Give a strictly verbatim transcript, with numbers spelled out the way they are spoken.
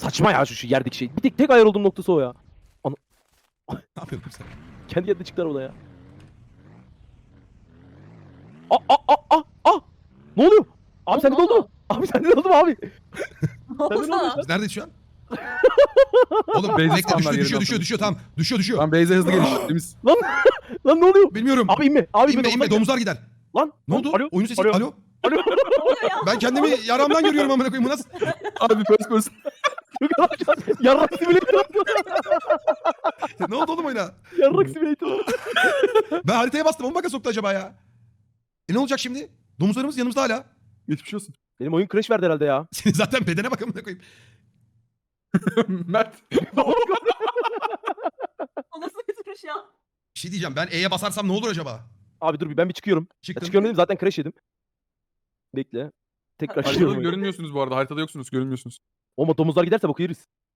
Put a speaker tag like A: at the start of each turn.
A: saçma ya şu, şu yerdeki şey. Bir tek tek ayar olduğum noktası o ya. Ana...
B: Ne yapıyorsun sen?
A: Kendi yerine çıktılar orada ya. Aa aa aa aa! Ne oluyor? Abi
C: Oğlum,
A: sende
C: ne
A: de oldu mu?
C: oldu?
A: Abi sende de oldu mu abi?
C: Ne oldu
A: Sen de ne oluyor
C: sana?
B: Biz neredeyiz şu an? Oğlum
D: Beyza
B: bekle
D: spawnlar
B: düşüyor
D: yerine
B: düşüyor düşüyor
D: atlamış.
B: düşüyor tamam. Düşüyor düşüyor.
D: Lan Beyza hızlı geliş. Temiz.
A: Lan lan ne oluyor?
B: Bilmiyorum.
A: Abi inme. Abi
B: inme inme domuzlar gider.
A: Lan
B: Ne
A: lan,
B: oldu?
A: Alo.
B: Oyunun sesi.
A: Alo.
B: Alo.
A: Alo.
C: Ne oluyor ya?
B: Ben kendimi yaramdan görüyorum amına koyayım. Bu nasıl?
D: Abi first person.
A: Yarrak simülatör.
B: Ne oldu oğlum oyuna?
A: Yarrak simülatör.
B: Ben haritaya bastım. O mu baka soktu acaba ya? E ne olacak şimdi? Domuzlarımız yanımızda hala.
D: Geçmiş olsun.
A: Benim oyun crash verdi herhalde ya.
B: Senin zaten bedene bak amına koyayım.
D: Mert.
C: O nasıl bir duruş ya?
B: Bir şey diyeceğim. Ben E'ye basarsam ne olur acaba?
A: Abi dur bir ben bir çıkıyorum. Ya
B: Çıktım.
A: çıkıyorum dedim zaten crash yedim. Bekle. Tekrar
D: Haritada
A: çıkıyorum.
D: görünmüyorsunuz bu arada. Haritada yoksunuz. Görünmüyorsunuz.
A: Ama domuzlar giderse boku yeriz.